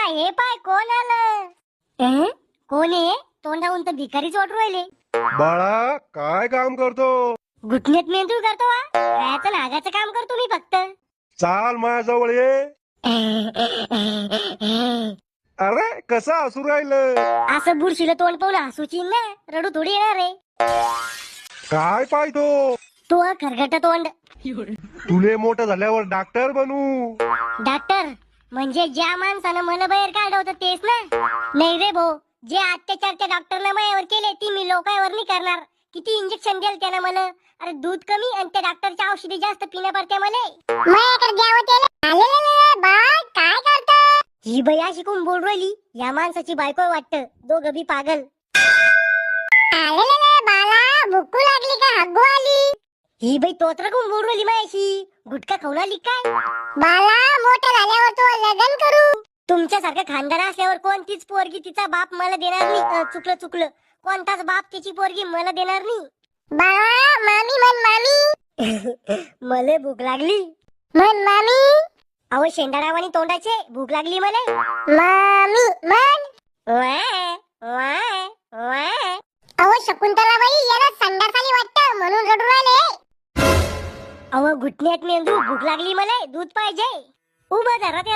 हे पाय कोण आलं? कोण आहे? तोंडाहून तर भिकारीच वाटू राहिले. बाळा काय काम करतो? घुटण्यात मेंदूळ करतो वा? खायचं नागाचं काम करतो मी फक्त. चाल माझ्याजवळ ये. अरे कसं हसू राहिलं? असं बुरशीला तोंड पाहून हसूची ना, रडू थोडी येणार रे. काय पाहतो? तो खरगट तोंड. तुले मोठं झाल्यावर डॉक्टर बनू. डॉक्टर म्हणजे ज्या माणसानं मला बाहेर काढलं होतं तेच ना? नाही रे भाऊ, जे अत्याचार त्या डॉक्टरनं माझ्यावर केले ती मी लोकांवर नाही करणार. किती इंजेक्शन दिलं त्यानं मला. अरे दूध कमी आणि त्या डॉक्टरच्या औषधी जास्त पिणं पडते मला. काय करत ही बाई अशी कोण बोल राहिली? या माणसाची बायको वाटतं. दोघं बी पागल. बाला भुकू लागली का हगू आली? ही बाई तोत्र कोण बोल राहिली माझ्याशी? गुटखा खाऊन आली काय? बाला मोठं झाल्यावर तो लग्न करू. तुमच्यासारखं खानदार असल्यावर कोणतीच पोरगी तिचा बाप मला देणार नाही. चुकलं कोणताच बाप तिची पोरगी मला देणार नाही. बाळा मामी म्हण मामी. मले भूक लागली म्हण मामी. अहो शेंडारावानी तोंडाचे भूक लागली मला. मामी म्हण. अहो शकुंतलाबाई याला संडास आली वाटतं म्हणून रडू राहिले. अहो घुटण्यात मेंदू भूक लागली मला दूध पाहिजे. उभं धरा.